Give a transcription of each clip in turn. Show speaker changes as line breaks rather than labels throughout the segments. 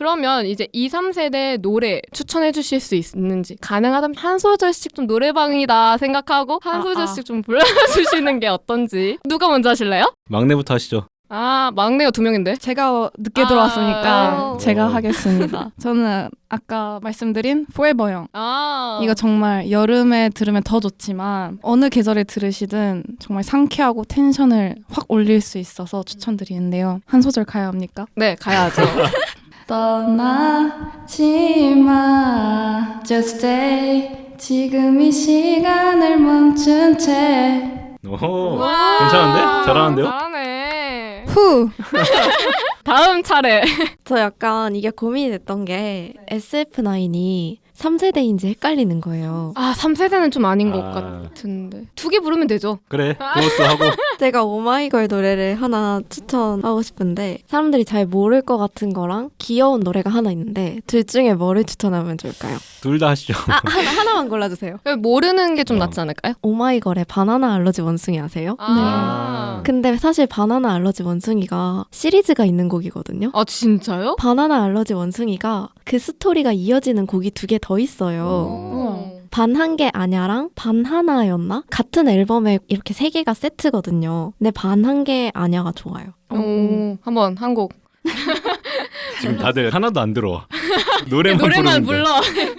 그러면 이제 2, 3세대 노래 추천해 주실 수 있는지 가능하다면 한 소절씩 좀 노래방이다 생각하고 한 소절씩 좀 불러주시는 게 어떤지. 누가 먼저 하실래요?
막내부터 하시죠.
아, 막내가 2명인데?
제가 늦게 들어왔으니까 제가
오.
하겠습니다. 저는 아까 말씀드린 Forever Young.
아,
이거 정말 여름에 들으면 더 좋지만 어느 계절에 들으시든 정말 상쾌하고 텐션을 확 올릴 수 있어서 추천드리는데요. 한 소절 가야 합니까?
네, 가야죠.
떠나지 마 Just stay 지금 이 시간을 멈춘 채
오, 괜찮은데? 잘하는데요?
잘하네.
후!
다음 차례.
저 약간 이게 고민이 됐던 게 SF9이 3세대인지 헷갈리는 거예요.
아, 3세대는 좀 아닌 것
아.
같은데. 2개 부르면 되죠.
그래, 그것도 하고.
제가 오마이걸 노래를 하나 추천하고 싶은데 사람들이 잘 모를 것 같은 거랑 귀여운 노래가 하나 있는데 둘 중에 뭐를 추천하면 좋을까요?
둘 다 하시죠.
하나만 골라주세요.
모르는 게 좀
어.
낫지 않을까요?
오마이걸의 바나나 알러지 원숭이 아세요?
아,
근데 사실 바나나 알러지 원숭이가 시리즈가 있는 곡이거든요.
아 진짜요?
바나나 알러지 원숭이가 그 스토리가 이어지는 곡이 2개 더 있어요.
어.
반 한 개 아냐랑 반 하나였나? 같은 앨범에 이렇게 3개가 세트거든요. 근데 반 한 개 아냐가 좋아요.
오, 한번 한 곡.
지금 다들 하나도 안 들어와. 노래만
노래만
부르는데.
불러.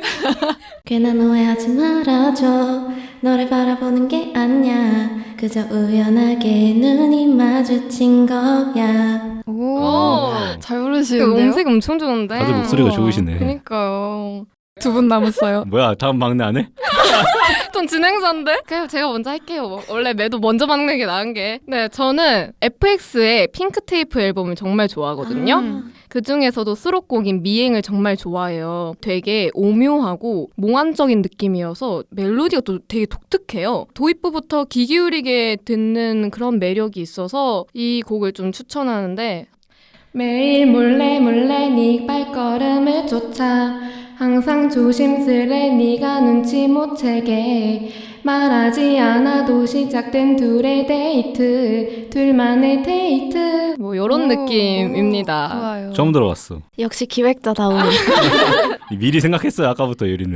괜한 오해하지 말아줘. 너를 바라보는 게 아니야. 그저 우연하게 눈이 마주친 거야.
오, 잘
그
부르시는데요?
음색 엄청 좋은데.
다들 목소리가 좋으시네.
그니까요.
두 분 남았어요.
뭐야, 다음 막내 안 해?
좀 진행자인데? 그냥 제가 먼저 할게요. 원래 매도 먼저 막는 게 나은 게. 네, 저는 FX의 핑크테이프 앨범을 정말 좋아하거든요. 그 중에서도 수록곡인 미행을 정말 좋아해요. 되게 오묘하고 몽환적인 느낌이어서 멜로디가 또 되게 독특해요. 도입부부터 귀 기울이게 듣는 그런 매력이 있어서 이 곡을 좀 추천하는데 매일 몰래 네 발걸음을 쫓아 항상 조심스레 네가 눈치 못 채게 말하지 않아도 시작된 둘의 데이트 둘만의 데이트 뭐 이런 느낌입니다.
좋아요.
처음 들어봤어.
역시 기획자다운.
미리 생각했어요, 아까부터 유리는.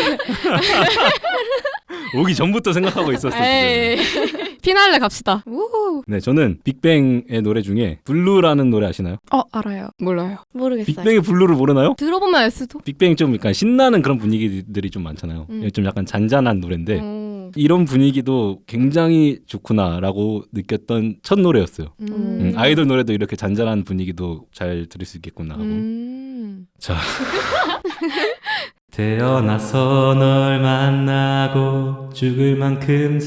오기 전부터 생각하고 있었어요.
에이. 피날레 갑시다.
네, 저는 빅뱅의 노래 중에 블루라는 노래 아시나요?
알아요.
몰라요.
모르겠어요.
빅뱅의 블루를 모르나요?
들어보면 알 수도.
빅뱅이 좀 약간 신나는 그런 분위기들이 좀 많잖아요. 좀 약간 잔잔한 노래인데 이런 분위기도 굉장히 좋구나라고 느꼈던 첫 노래였어요. 아이돌 노래도 이렇게 잔잔한 분위기도 잘 들을 수 있겠구나 하고. 자. 태어나서 널 만나고 죽을 만큼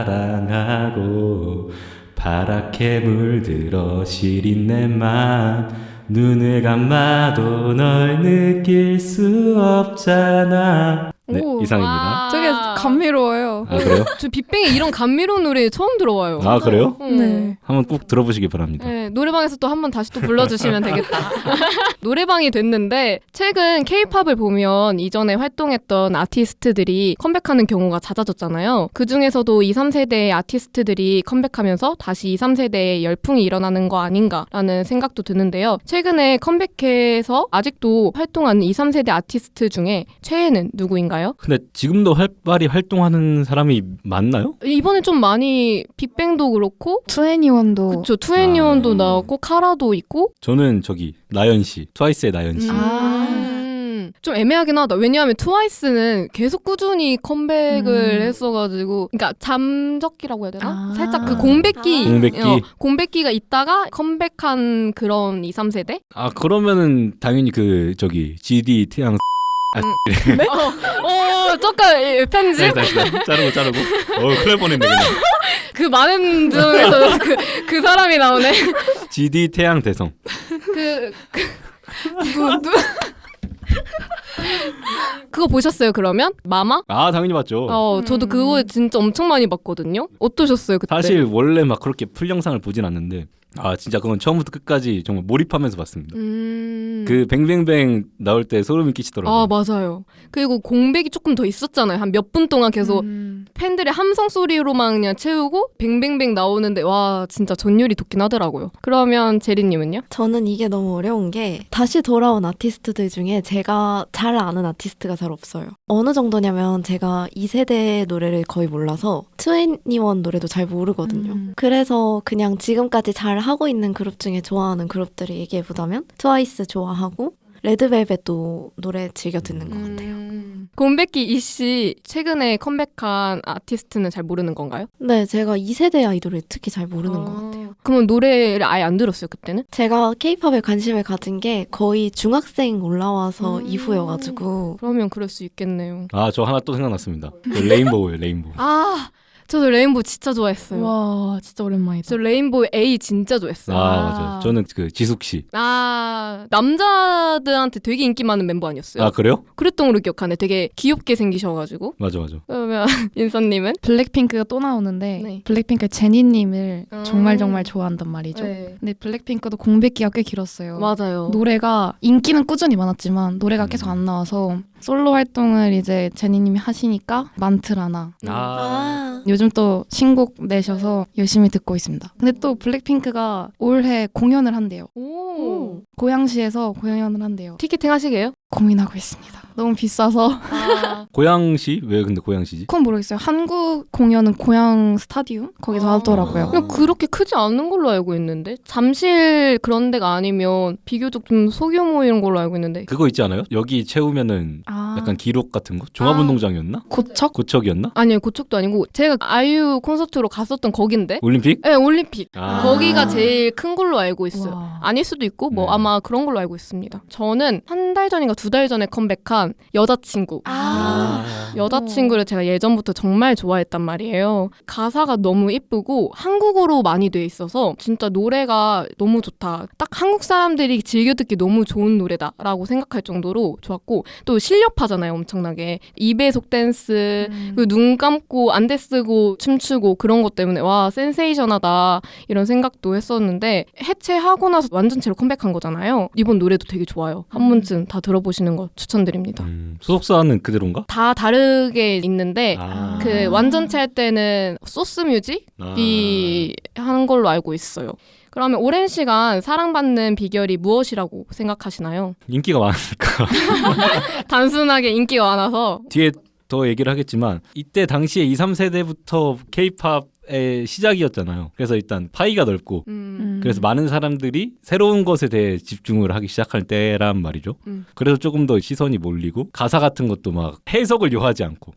사랑하고 파랗게 물들어 시린 내 맘 눈을 감아도 널 느낄 수 없잖아. 네,
오.
이상입니다.
되게 감미로워요.
아, 그래요?
저 빅뱅의 이런 감미로운 노래 처음 들어와요.
아, 그래요?
네.
한번 꼭 들어보시기 바랍니다.
네, 노래방에서 또 한 번 다시 또 불러주시면 되겠다. 노래방이 됐는데 최근 K-팝을 보면 이전에 활동했던 아티스트들이 컴백하는 경우가 잦아졌잖아요. 그중에서도 2, 3세대의 아티스트들이 컴백하면서 다시 2, 3세대의 열풍이 일어나는 거 아닌가라는 생각도 드는데요. 최근에 컴백해서 아직도 활동하는 2, 3세대 아티스트 중에 최애는 누구인가요?
근데 지금도 활발히 활동하는 사람이 많나요?
이번에 좀 많이 빅뱅도 그렇고
투애니원도
그쵸, 투애니원도 나왔고 카라도 있고
저는 저기 나연 씨, 트와이스의 나연 씨.
좀 애매하긴 하다. 왜냐하면 트와이스는 계속 꾸준히 컴백을 했어가지고 그러니까 잠적기라고 해야 되나? 살짝 그 공백기
공백기.
공백기가 있다가 컴백한 그런 2, 3세대?
아, 그러면은 당연히 그 저기 GD 태양
조금 편집?
다시 자르고 큰일 날 뻔했네 그냥.
그 많은 중에서 그 사람이 나오네.
GD 태양 대성.
그거 보셨어요 그러면? 마마?
아, 당연히 봤죠.
저도 그거 진짜 엄청 많이 봤거든요. 어떠셨어요 그때?
사실 원래 막 그렇게 풀 영상을 보진 않는데 아 진짜 그건 처음부터 끝까지 정말 몰입하면서 봤습니다.
그
그 뱅뱅뱅 나올 때 소름이 끼치더라고요.
아 맞아요. 그리고 공백이 조금 더 있었잖아요. 한 몇 분 동안 계속 팬들의 함성 소리로만 그냥 채우고 뱅뱅뱅 나오는데 와 진짜 전율이 돋긴 하더라고요. 그러면 제리님은요?
저는 이게 너무 어려운 게 다시 돌아온 아티스트들 중에 제가 잘 아는 아티스트가 잘 없어요. 어느 정도냐면 제가 2세대 노래를 거의 몰라서 2NE1 노래도 잘 모르거든요. 그래서 그냥 지금까지 잘 하고 있는 그룹 중에 좋아하는 그룹들을 얘기해보자면 트와이스 좋아하고 레드벨벳도 노래 즐겨 듣는 것 같아요.
곰백기 이씨 최근에 컴백한 아티스트는 잘 모르는 건가요?
네, 제가 2세대 아이돌을 특히 잘 모르는 것 같아요.
그러면 노래를 아예 안 들었어요 그때는?
제가 케이팝에 관심을 가진 게 거의 중학생 올라와서 이후여가지고
그러면 그럴 수 있겠네요.
아 저 하나 또 생각났습니다. 그 레인보우예요. 레인보우.
아 저도 레인보우 진짜 좋아했어요.
와 진짜 오랜만이다.
저 레인보우 A 진짜 좋아했어요.
아 맞아요. 저는 그 지숙 씨.
아 남자들한테 되게 인기 많은 멤버 아니었어요?
아 그래요?
그랬던 걸로 기억하네. 되게 귀엽게 생기셔가지고.
맞아 맞아.
그러면 인선님은?
블랙핑크가 또 나오는데
네.
블랙핑크 제니님을 정말 좋아한단 말이죠.
네.
근데 블랙핑크도 공백기가 꽤 길었어요.
맞아요.
노래가 인기는 꾸준히 많았지만 노래가 계속 안 나와서 솔로 활동을 이제 제니님이 하시니까 만트라나 요즘 또 신곡 내셔서 열심히 듣고 있습니다. 근데 또 블랙핑크가 올해 공연을 한대요.
오.
고양시에서 공연을 한대요.
티켓팅 하시게요?
고민하고 있습니다. 너무 비싸서.
아.
고양시? 왜 근데 고양시지?
그건 모르겠어요. 한국 공연은 고양 스타디움? 거기서 하더라고요.
그냥 그렇게 크지 않은 걸로 알고 있는데 잠실 그런 데가 아니면 비교적 좀 소규모인 걸로 알고 있는데
그거 있지 않아요? 여기 채우면은 약간 기록 같은 거? 종합운동장이었나?
고척?
고척이었나?
아니요 고척도 아니고 제가 아이유 콘서트로 갔었던 거긴데
올림픽?
네 올림픽
아.
거기가 제일 큰 걸로 알고 있어요.
와.
아닐 수도 있고 뭐
네.
아마 그런 걸로 알고 있습니다. 저는 한 달 전인가 2달 전에 컴백한 여자친구. 여자친구를 제가 예전부터 정말 좋아했단 말이에요. 가사가 너무 이쁘고 한국어로 많이 돼 있어서 진짜 노래가 너무 좋다. 딱 한국 사람들이 즐겨 듣기 너무 좋은 노래다라고 생각할 정도로 좋았고 또 실력파잖아요 엄청나게. 2배속 댄스 그리고 눈 감고 안대 쓰고 춤추고 그런 것 때문에 와 센세이션하다 이런 생각도 했었는데 해체하고 나서 완전체로 컴백한 거잖아요. 이번 노래도 되게 좋아요. 한 번쯤 다 들어보시는 거 추천드립니다.
소속사는 그대로인가?
다 다르게 있는데
아.
그 완전체 할 때는 소스 뮤직이 하는 걸로 알고 있어요. 그러면 오랜 시간 사랑받는 비결이 무엇이라고 생각하시나요?
인기가 많으니까.
단순하게 인기가 많아서
뒤에 더 얘기를 하겠지만 이때 당시에 2, 3세대부터 K-팝의 시작이었잖아요. 그래서 일단 파이가 넓고 그래서 많은 사람들이 새로운 것에 대해 집중을 하기 시작할 때란 말이죠. 그래서 조금 더 시선이 몰리고 가사 같은 것도 막 해석을 요하지 않고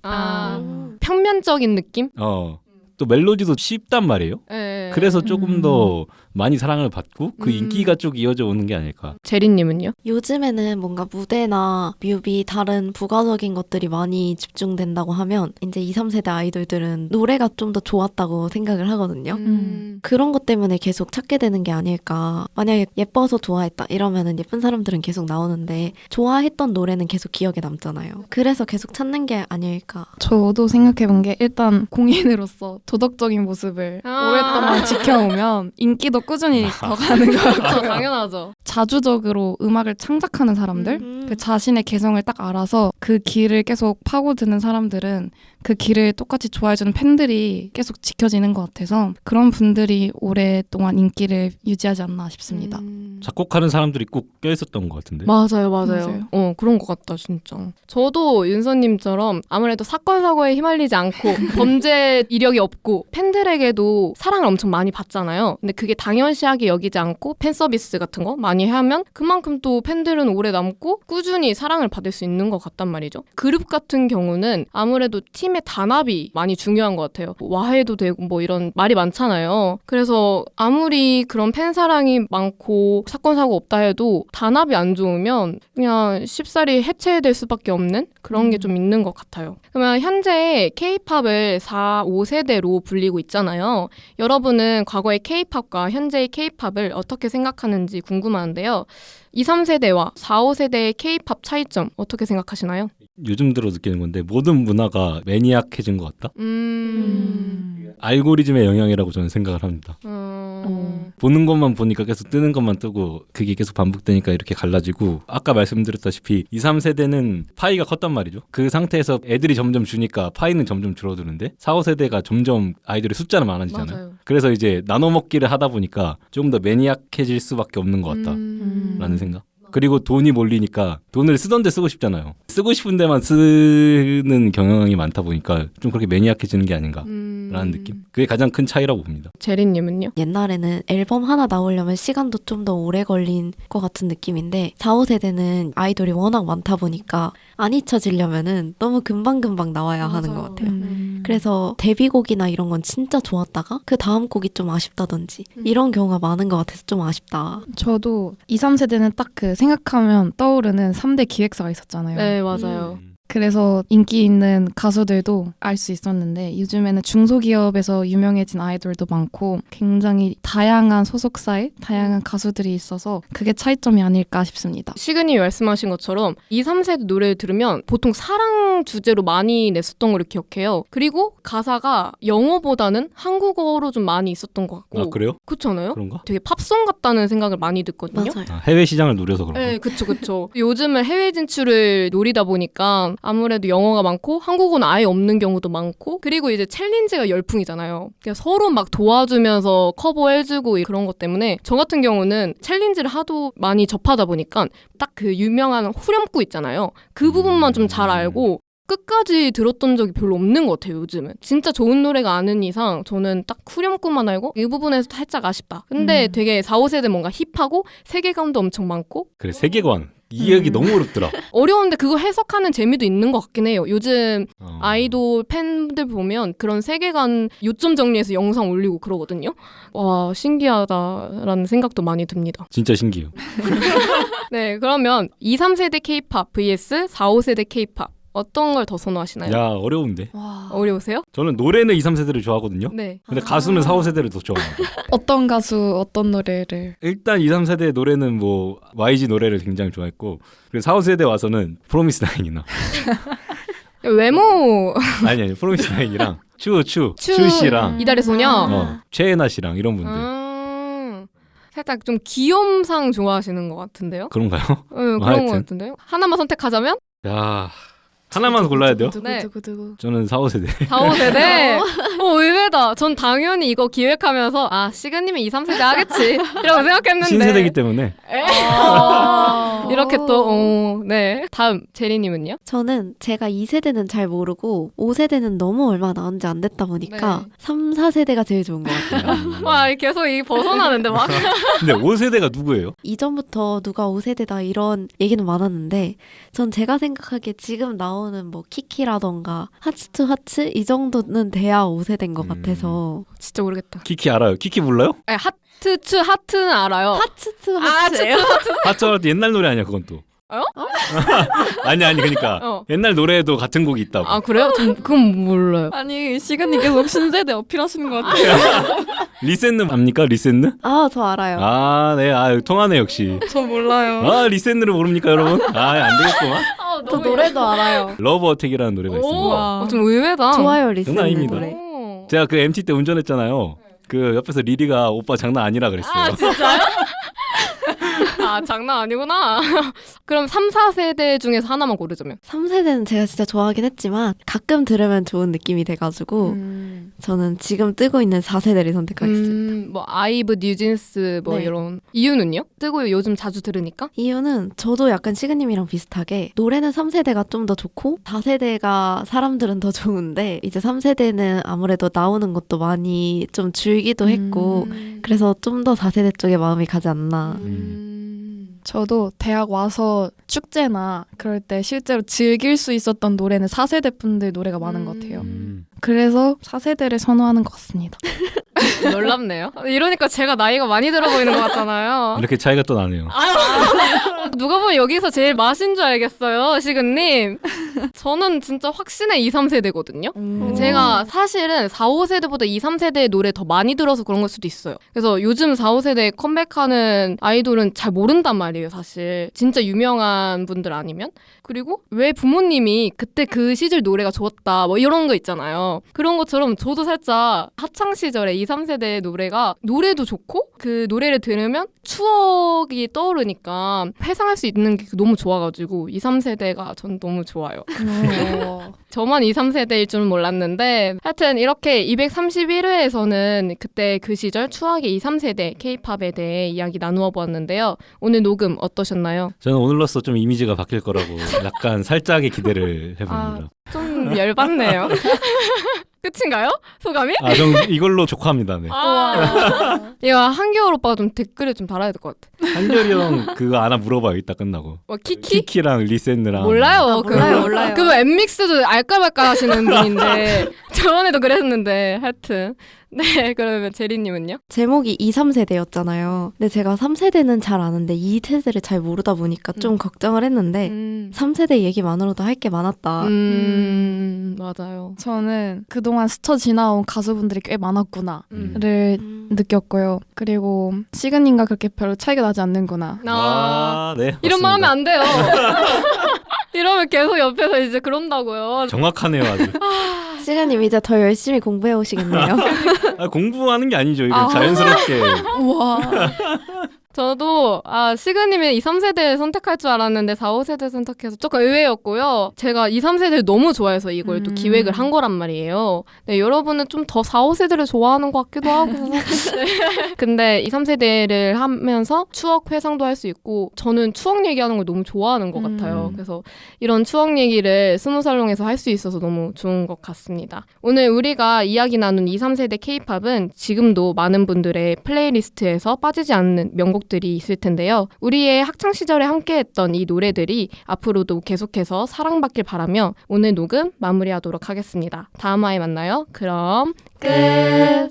평면적인 느낌?
또 멜로디도 쉽단 말이에요.
네.
그래서 조금 더 많이 사랑을 받고 그 인기가 쭉 이어져 오는 게 아닐까.
제리님은요?
요즘에는 뭔가 무대나 뮤비 다른 부가적인 것들이 많이 집중된다고 하면 이제 2, 3세대 아이돌들은 노래가 좀 더 좋았다고 생각을 하거든요. 그런 것 때문에 계속 찾게 되는 게 아닐까. 만약에 예뻐서 좋아했다 이러면은 예쁜 사람들은 계속 나오는데 좋아했던 노래는 계속 기억에 남잖아요. 그래서 계속 찾는 게 아닐까.
저도 생각해본 게 일단 공인으로서 도덕적인 모습을 오랫동안 지켜오면 인기도 꾸준히 더 가는 것
그렇죠,
같아요.
당연하죠.
자주적으로 음악을 창작하는 사람들, 그 자신의 개성을 딱 알아서 그 길을 계속 파고드는 사람들은 그 길을 똑같이 좋아해주는 팬들이 계속 지켜지는 것 같아서 그런 분들이 오랫동안 인기를 유지하지 않나 싶습니다.
작곡하는 사람들이 꼭 껴있었던 것 같은데.
맞아요. 그런 것 같다 진짜. 저도 윤서님처럼 아무래도 사건 사고에 휘말리지 않고 범죄 이력이 없고 팬들에게도 사랑을 엄청 많이 받잖아요. 근데 그게 당연시하게 여기지 않고 팬 서비스 같은 거 많이 하면 그만큼 또 팬들은 오래 남고 꾸준히 사랑을 받을 수 있는 것 같단 말이죠. 그룹 같은 경우는 아무래도 팀의 단합이 많이 중요한 것 같아요. 와해도 되고 뭐 이런 말이 많잖아요. 그래서 아무리 그런 팬 사랑이 많고 사건 사고 없다 해도 단합이 안 좋으면 그냥 쉽사리 해체될 수밖에 없는 그런 게 좀 있는 것 같아요. 그러면 현재 K-팝을 4, 5세대로 불리고 있잖아요. 여러분은 과거의 K-팝과 현재의 K-팝을 어떻게 생각하는지 궁금한데요. 2, 3세대와 4, 5세대의 K-팝 차이점 어떻게 생각하시나요?
요즘 들어 느끼는 건데 모든 문화가 매니악해진 것 같다. 알고리즘의 영향이라고 저는 생각을 합니다. 보는 것만 보니까 계속 뜨는 것만 뜨고 그게 계속 반복되니까 이렇게 갈라지고 아까 말씀드렸다시피 2, 3세대는 파이가 컸단 말이죠. 그 상태에서 애들이 점점 주니까 파이는 점점 줄어드는데 4, 5세대가 점점 아이들의 숫자는 많아지잖아요.
맞아요.
그래서 이제 나눠 먹기를 하다 보니까 조금 더 매니악해질 수밖에 없는 것 같다라는 생각. 그리고 돈이 몰리니까 돈을 쓰던 데 쓰고 싶잖아요. 쓰고 싶은 데만 쓰는 경향이 많다 보니까 좀 그렇게 매니악해지는 게 아닌가라는 느낌. 그게 가장 큰 차이라고 봅니다.
제리님은요?
옛날에는 앨범 하나 나오려면 시간도 좀 더 오래 걸린 것 같은 느낌인데 4, 5세대는 아이돌이 워낙 많다 보니까 안 잊혀지려면은 너무 금방금방 나와야 하는 것 같아요. 그래서 데뷔곡이나 이런 건 진짜 좋았다가 그 다음 곡이 좀 아쉽다든지 이런 경우가 많은 것 같아서 좀 아쉽다.
저도 2, 3세대는 딱 그 생각하면 떠오르는 3대 기획사가 있었잖아요.
네, 맞아요.
그래서 인기 있는 가수들도 알 수 있었는데 요즘에는 중소기업에서 유명해진 아이돌도 많고 굉장히 다양한 소속사에 다양한 가수들이 있어서 그게 차이점이 아닐까 싶습니다.
시그님이 말씀하신 것처럼 2, 3세대 노래를 들으면 보통 사랑 주제로 많이 냈었던 걸 기억해요. 그리고 가사가 영어보다는 한국어로 좀 많이 있었던 것 같고.
아 그래요?
그렇지 않아요?
그런가?
되게 팝송 같다는 생각을 많이 듣거든요.
맞아요.
아, 해외 시장을 노려서 그런가?
네, 그쵸. 요즘은 해외 진출을 노리다 보니까 아무래도 영어가 많고 한국어는 아예 없는 경우도 많고 그리고 이제 챌린지가 열풍이잖아요. 그러니까 서로 막 도와주면서 커버해주고 그런 것 때문에 저 같은 경우는 챌린지를 하도 많이 접하다 보니까 딱 그 유명한 후렴구 있잖아요. 그 부분만 좀 잘 알고 끝까지 들었던 적이 별로 없는 것 같아요, 요즘은. 진짜 좋은 노래가 아닌 이상 저는 딱 후렴구만 알고 이 부분에서 살짝 아쉽다. 근데 되게 4, 5세대 뭔가 힙하고 세계관도 엄청 많고
그래 세계관 이 얘기 너무 어렵더라.
어려운데 그거 해석하는 재미도 있는 것 같긴 해요. 요즘
어.
아이돌 팬들 보면 그런 세계관 요점 정리해서 영상 올리고 그러거든요. 와, 신기하다라는 생각도 많이 듭니다.
진짜 신기해요.
네, 그러면 2, 3세대 K-pop vs 4, 5세대 K-pop 어떤 걸 더 선호하시나요?
야 어려운데.
와.
어려우세요?
저는 노래는 2, 3세대를 좋아하거든요.
네.
근데 가수는 4, 5세대를 더 좋아합니다.
어떤 가수 어떤 노래를
일단 2, 3세대 노래는 뭐 YG 노래를 굉장히 좋아했고 그리고 4, 5세대 와서는 프로미스 나인이나
외모
아니 프로미스 나인이랑 추
추
씨랑
이달의 소녀.
최애나 씨랑 이런 분들
살짝 좀 귀염상 좋아하시는 것 같은데요?
그런가요?
네, 그런
하여튼.
것 같은데요? 하나만 선택하자면?
야 하나만 골라야 돼요?
네.
두구두구.
저는 4, 5세대.
4, 5세대? 의외다. 전 당연히 이거 기획하면서 아, 시그님이 2, 3세대 하겠지 이라고 생각했는데
신세대이기 때문에
이렇게 또 네. 다음 제리님은요?
저는 제가 2세대는 잘 모르고 5세대는 너무 얼마 나온지 안 됐다 보니까
네.
3, 4세대가 제일 좋은 것 같아요.
와, 계속 이 벗어나는데 막.
근데 5세대가 누구예요?
이전부터 누가 5세대다 이런 얘기는 많았는데 전 제가 생각하기에 지금 나오는 뭐 키키라던가 하츠 투 하츠 이 정도는 돼야 5세대인 것 같아서
진짜 모르겠다.
키키 알아요? 키키 몰라요?
아니, 하트 투 하트는 알아요.
하츠 투 하츠예요?
하트 옛날 노래 아니야 그건 또.
어?
아니 그러니까 옛날 노래에도 같은 곡이 있다고.
아, 그래요? 전 그건 몰라요.
아니 시간이 계속 신세대 어필하시는 것 같아요.
리센느 압니까? 리센느?
아, 저 알아요.
아, 네. 통하네 역시.
저 몰라요.
아, 리센느를 모릅니까, 여러분? 아, 안 되겠구만.
저 노래도 알아요.
러브 어택이라는 노래가 있습니다.
와.
좀 의외다.
좋아요, 리스는
아닙니다.
노래.
오.
제가 그 MT 때 운전했잖아요. 그 옆에서 리리가 오빠 장난 아니라 그랬어요.
아, 진짜요? 아, 장난 아니구나. 그럼 3, 4세대 중에서 하나만 고르자면.
3세대는 제가 진짜 좋아하긴 했지만 가끔 들으면 좋은 느낌이 돼가지고 저는 지금 뜨고 있는 4세대를 선택하겠습니다.
뭐 아이브, 뉴진스 뭐
네.
이런 이유는요? 뜨고 요즘 자주 들으니까?
이유는 저도 약간 시그님이랑 비슷하게 노래는 3세대가 좀 더 좋고 4세대가 사람들은 더 좋은데 이제 3세대는 아무래도 나오는 것도 많이 좀 줄기도 했고 그래서 좀 더 4세대 쪽에 마음이 가지 않나.
저도 대학 와서 축제나 그럴 때 실제로 즐길 수 있었던 노래는 4세대 분들 노래가 많은 것 같아요. 그래서 4세대를 선호하는 것 같습니다.
놀랍네요. 이러니까 제가 나이가 많이 들어 보이는 것 같잖아요.
이렇게 차이가 또 나네요.
누가 보면 여기서 제일 맛인 줄 알겠어요, 시근님. 저는 진짜 확신의 2, 3세대거든요.
음.
제가 사실은 4, 5세대보다 2, 3세대의 노래 더 많이 들어서 그런 걸 수도 있어요. 그래서 요즘 4, 5세대 컴백하는 아이돌은 잘 모른단 말이에요, 사실. 진짜 유명한 분들 아니면. 그리고 왜 부모님이 그때 그 시절 노래가 좋았다 뭐 이런 거 있잖아요. 그런 것처럼 저도 살짝 학창 시절에 2, 3세대의 노래가 노래도 좋고 그 노래를 들으면 추억이 떠오르니까 회상할 수 있는 게 너무 좋아가지고 2, 3세대가 전 너무 좋아요. 저만 2, 3세대일 줄은 몰랐는데 하여튼 이렇게 231회에서는 그때 그 시절 추억의 2, 3세대 K-팝에 대해 이야기 나누어 보았는데요. 오늘 녹음 어떠셨나요?
저는 오늘로써 좀 이미지가 바뀔 거라고 약간 살짝의 기대를 해봅니다.
좀 열받네요. 끝인가요? 소감이?
전 이걸로 족합니다. 네.
이거 한겨울 오빠가 좀 댓글에 좀 달아야 될 것 같아.
한결이 형 그거 하나 물어봐요. 이따 끝나고.
뭐 키키?
키키랑 리센느랑.
몰라요.
몰라요.
그거 엠믹스도 알까 말까 하시는 분인데 저번에도 그랬는데 하여튼 네 그러면 제리님은요?
제목이 2, 3세대였잖아요. 근데 제가 3세대는 잘 아는데 2세대를 잘 모르다 보니까 좀 걱정을 했는데 3세대 얘기만으로도 할 게 많았다.
맞아요.
저는 그동안 스쳐 지나온 가수분들이 꽤 많았구나를 느꼈고요. 그리고 시그님과 그렇게 별로 차이가 나지 않는구나.
네.
이런 말
맞습니다.
하면 안 돼요. 이러면 계속 옆에서 이제 그런다고요.
정확하네요, 아주.
시간님 이제 더 열심히 공부해 오시겠네요.
공부하는 게 아니죠. 이거 자연스럽게.
우와.
저도 시그님이 2, 3세대 선택할 줄 알았는데 4, 5세대 선택해서 조금 의외였고요. 제가 2, 3세대를 너무 좋아해서 이걸 또 기획을 한 거란 말이에요. 네, 여러분은 좀 더 4, 5세대를 좋아하는 것 같기도 하고. 네. 근데 2, 3세대를 하면서 추억 회상도 할 수 있고 저는 추억 얘기하는 걸 너무 좋아하는 것 같아요. 그래서 이런 추억 얘기를 스무살롱에서 할 수 있어서 너무 좋은 것 같습니다. 오늘 우리가 이야기 나눈 2, 3세대 K-팝은 지금도 많은 분들의 플레이리스트에서 빠지지 않는 명곡들이 있을 텐데요. 우리의 학창시절에 함께했던 이 노래들이 앞으로도 계속해서 사랑받길 바라며 오늘 녹음 마무리하도록 하겠습니다. 다음 화에 만나요. 그럼 끝!